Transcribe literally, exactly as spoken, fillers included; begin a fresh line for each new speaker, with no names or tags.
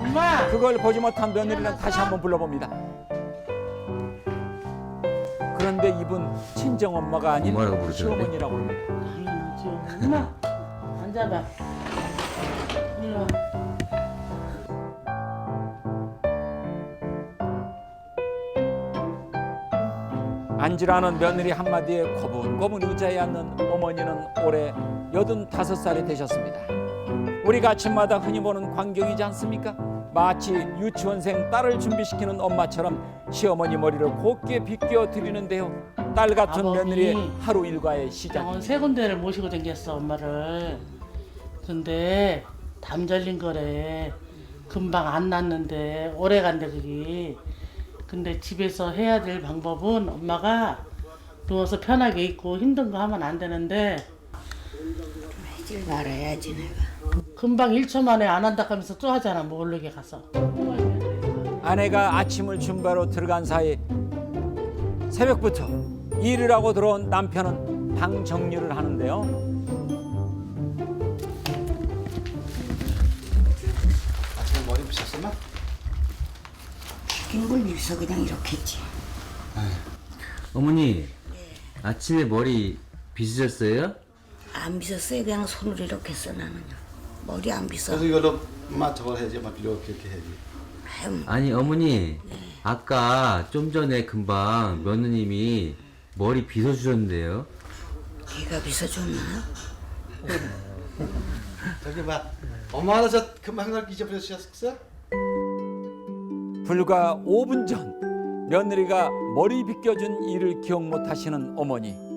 엄마!
그걸 보지 못한 며느리는 다시 한번 불러봅니다. 그런데 이분 친정 엄마가 아닌
엄마라고 부르죠,
시어머니라고 합니다.
당연하지. 엄마! 앉아봐. 일로 와.
앉으라는 며느리 한마디에 고분고분 의자에 앉는 어머니는 올해 여든다섯 살이 되셨습니다. 우리가 아침마다 흔히 보는 광경이지 않습니까? 마치 유치원생 딸을 준비시키는 엄마처럼 시어머니 머리를 곱게 빗겨 드리는데요. 딸 같은
아버지.
며느리의 하루 일과의
병원
시작.
세 군데를 모시고 댕겼어, 엄마를. 근데 담 잘린 거래. 금방 안 났는데 오래 간대 그게. 근데 집에서 해야 될 방법은 엄마가 누워서 편하게 있고 힘든 거 하면 안 되는데
하질 말아야지 내가.
금방 일 초 만에 안 한다 하면서 또 하잖아, 모르게 가서.
아내가 아침을 준비하러 들어간 사이 새벽부터 일을 하고 들어온 남편은 방 정리를 하는데요.
아침에 머리 빗었으면?
긴 걸 입서 그냥 이렇게 했지.
어머니 아침에 머리 빗으셨어요?
안 빗었어요. 그냥 손으로 이렇게 써 나는요. 머리 안 빗어.
그래서 이걸로 엄마 저걸 해야지, 엄마 이렇게 이렇게 해야지.
아유,
아니 어머니 아까 좀 전에 금방 며느님이 머리 빗어주셨는데요.
걔가 빗어줬나?
저기 봐, 엄마가 저 금방 날 잊어버렸었어?
불과 오 분 전 며느리가 머리 빗겨준 일을 기억 못하시는 어머니.